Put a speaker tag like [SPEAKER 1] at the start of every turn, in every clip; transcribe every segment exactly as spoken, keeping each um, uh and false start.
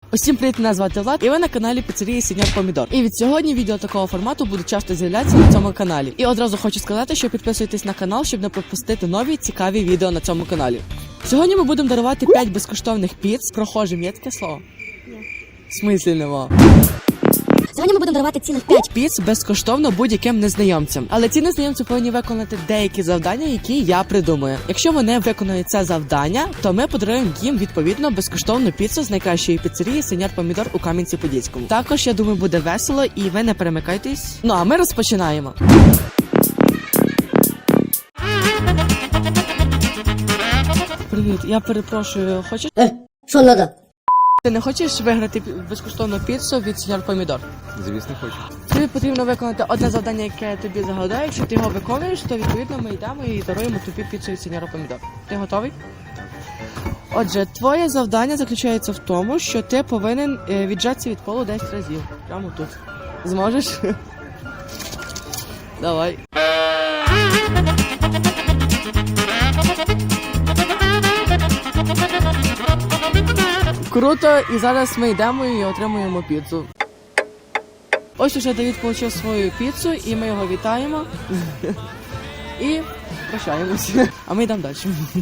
[SPEAKER 1] Усім привіт, мене звати Влад, і ви на каналі Піцерії Сеньор Помідор. І від сьогодні відео такого формату будуть часто з'являтися на цьому каналі. І одразу хочу сказати, що підписуйтесь на канал, щоб не пропустити нові цікаві відео на цьому каналі. Сьогодні ми будемо дарувати п'ять безкоштовних піц. Прохожим є таке слово? Ні. В смислі нема?
[SPEAKER 2] Сьогодні ми будемо дарувати цілих п'ять
[SPEAKER 1] піц безкоштовно будь-яким незнайомцям. Але ці незнайомці повинні виконати деякі завдання, які я придумаю. Якщо вони виконують це завдання, то ми подаруємо їм відповідно безкоштовну піцу з найкращої піцерії Сеньор Помідор у Кам'янці-Подільському. Також, я думаю, буде весело і ви не перемикайтесь. Ну а ми розпочинаємо. Привіт, я перепрошую, хочеш?
[SPEAKER 2] Е, що надо?
[SPEAKER 1] Ти не хочеш виграти безкоштовну піцу від Сеньор Помідор?
[SPEAKER 3] Звісно, хочу.
[SPEAKER 1] Тобі потрібно виконати одне завдання, яке я тобі загадаю. Якщо ти його виконуєш, то відповідно ми йдемо і даруємо тобі піцу від Сеньора Помідор. Ти готовий? Отже, твоє завдання заключається в тому, що ти повинен віджатися від полу десять разів. Прямо тут. Зможеш? Давай. Круто, і зараз ми йдемо і отримуємо піцу. Ось уже Давід отримав свою піцу, і ми його вітаємо. І прощаємося. А ми йдемо далі.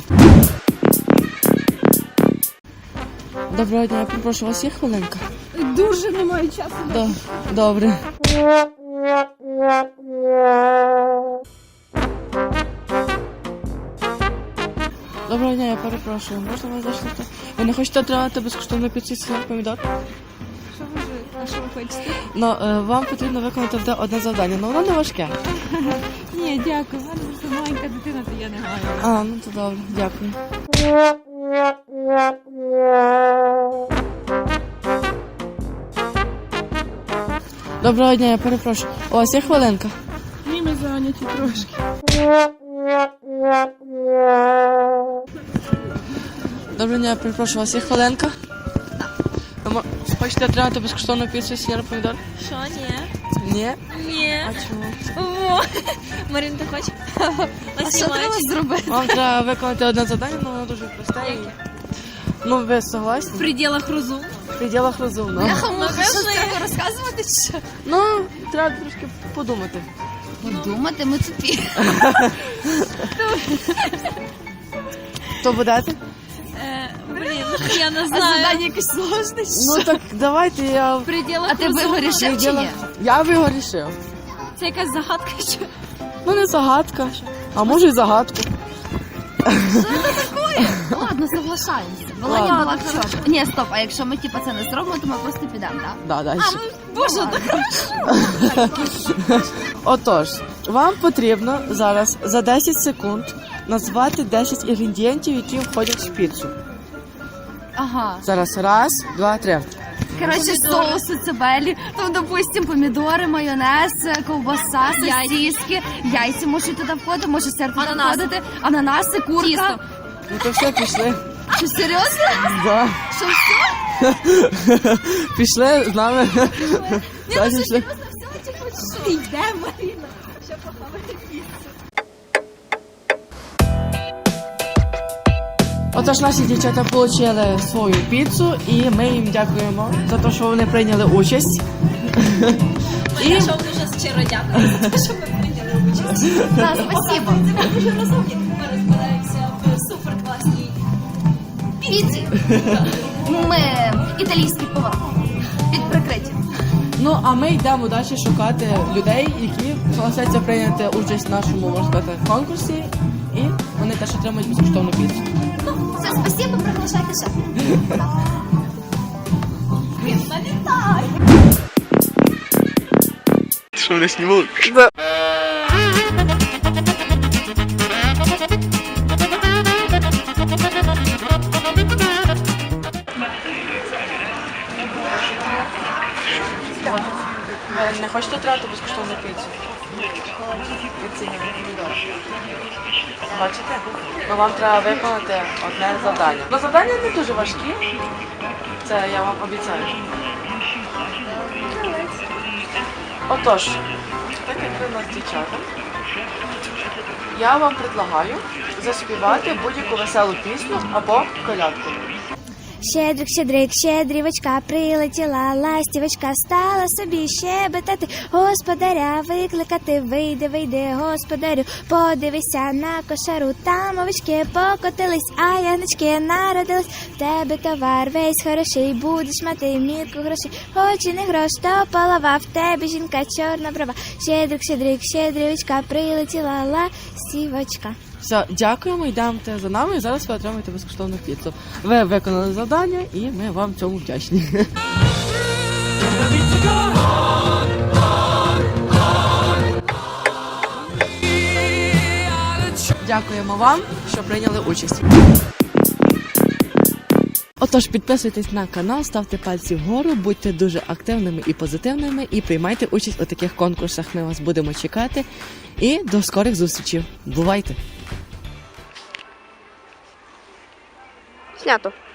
[SPEAKER 1] Доброго дня, я попрошу, у вас є хвилинка?
[SPEAKER 4] Дуже немає часу.
[SPEAKER 1] До... Добре. Доброго дня, я перепрошую. Можна вас зайшли? Ви не хочете отримати безкоштовну піцу з Сеньор Помідор?
[SPEAKER 4] Що ви ж? А що ви хочете?
[SPEAKER 1] Ну, е, вам потрібно виконати одне- одне завдання, але воно не важке.
[SPEAKER 4] Ні, дякую. У мене просто маленька дитина, то я не гаю.
[SPEAKER 1] А, ну то добре, дякую. Доброго дня, я перепрошую. У вас є хвилинка?
[SPEAKER 4] Ні, ми зайняті трошки.
[SPEAKER 1] Доброго дня, я перепрошую, у вас є хвилинка? Ви мо- хочете отримати безкоштовну піцу з Сеньор Помідор?
[SPEAKER 5] Що, ні?
[SPEAKER 1] Ні?
[SPEAKER 5] Ні.
[SPEAKER 1] А чому?
[SPEAKER 5] О, Марин, ти хочеш?
[SPEAKER 4] А що треба зробити?
[SPEAKER 1] Вам треба виконати одне завдання, але воно дуже просте. і- Ну, ви согласні?
[SPEAKER 5] В пределах розуму.
[SPEAKER 1] В пределах розумно.
[SPEAKER 4] Муха, що треба розказувати чи що?
[SPEAKER 1] Ну, треба трошки подумати.
[SPEAKER 4] Подумати, ми тупі.
[SPEAKER 1] То будете?
[SPEAKER 5] Е, блін, я не
[SPEAKER 4] А
[SPEAKER 5] знаю.
[SPEAKER 4] завдання якесь сложне чи
[SPEAKER 1] Ну
[SPEAKER 4] що?
[SPEAKER 1] так давайте я...
[SPEAKER 5] В пределах
[SPEAKER 4] А ти
[SPEAKER 5] розуму.
[SPEAKER 4] би рішив чи
[SPEAKER 1] Предела-
[SPEAKER 4] ні?
[SPEAKER 1] Я би його рішив.
[SPEAKER 5] Це якась загадка, що?
[SPEAKER 1] Ну не загадка, а може й загадку.
[SPEAKER 4] Ладно, соглашаємося.
[SPEAKER 1] Ладно.
[SPEAKER 4] Володя була хороша. Ні, стоп, а якщо ми типу це не зробимо, то ми просто підемо, так?
[SPEAKER 1] Да, далі.
[SPEAKER 4] Боже,
[SPEAKER 1] Отож, вам потрібно зараз за десять секунд назвати десять інгредієнтів, які входять в піцу.
[SPEAKER 4] Ага.
[SPEAKER 1] Зараз раз, два, три.
[SPEAKER 4] Коротше, соуси, цибелі, там, допустим, помідори, майонез, ковбаса, сосиски, яйця можуть туди входити, може сир туди
[SPEAKER 5] Ананаси.
[SPEAKER 4] входити, ананаси, курка.
[SPEAKER 5] Тісто.
[SPEAKER 1] Ну то все, пішли.
[SPEAKER 4] Що, серйозно?
[SPEAKER 1] Да.
[SPEAKER 4] Що, все?
[SPEAKER 1] Пішли з нами. Так, пішли.
[SPEAKER 4] Йде, Маріна.
[SPEAKER 1] Отож, наші дівчата отримали свою піцу, і ми їм дякуємо за те, що вони прийняли участь. І
[SPEAKER 5] Ми що дуже щиро дякую за те, що ви прийняли участь.
[SPEAKER 4] Да, спасибо.
[SPEAKER 5] Ми дуже розумні. Ми розбираємося в суперкласній
[SPEAKER 4] Піці. Ми італійські повар. Під прикриттям.
[SPEAKER 1] ну, а ми йдемо далі шукати людей, які согласяться прийняти участь в нашому, можна сказати, конкурсі, і вони теж отримують безкоштовну піцу.
[SPEAKER 4] Все, спасибо, приглашайте ще.
[SPEAKER 3] Що мене знімали?
[SPEAKER 1] Ви не хочете отримати безкоштовну піцу? Від Сеньора Помідора. Бачите? Ну, вам треба виконати одне завдання. Ну, завдання не дуже важкі. Це я вам обіцяю. Отож, так як ви у нас дівчата, я вам предлагаю заспівати будь-яку веселу пісню або колядку.
[SPEAKER 6] Щедрик, щедрик, щедрівочка, прилетіла ластівочка, стала собі щебетати, господаря викликати. Вийди, вийди, господарю, подивися на кошару, там овечки покотились, а ягнички народились. В тебе товар весь хороший, будеш мати мірку грошей, хоч і не грош, то полова, в тебе жінка чорна брова. Щедрик, щедрик, щедрівочка, прилетіла ластівочка.
[SPEAKER 1] Все, дякуємо, йдемте за нами і зараз ви отримаєте безкоштовну піцу. Ви виконали завдання і ми вам цьому вдячні. Дякуємо вам, що прийняли участь. Отож, підписуйтесь на канал, ставте пальці вгору, будьте дуже активними і позитивними і приймайте участь у таких конкурсах. Ми вас будемо чекати. І до скорих зустрічей. Бувайте!
[SPEAKER 7] Снято.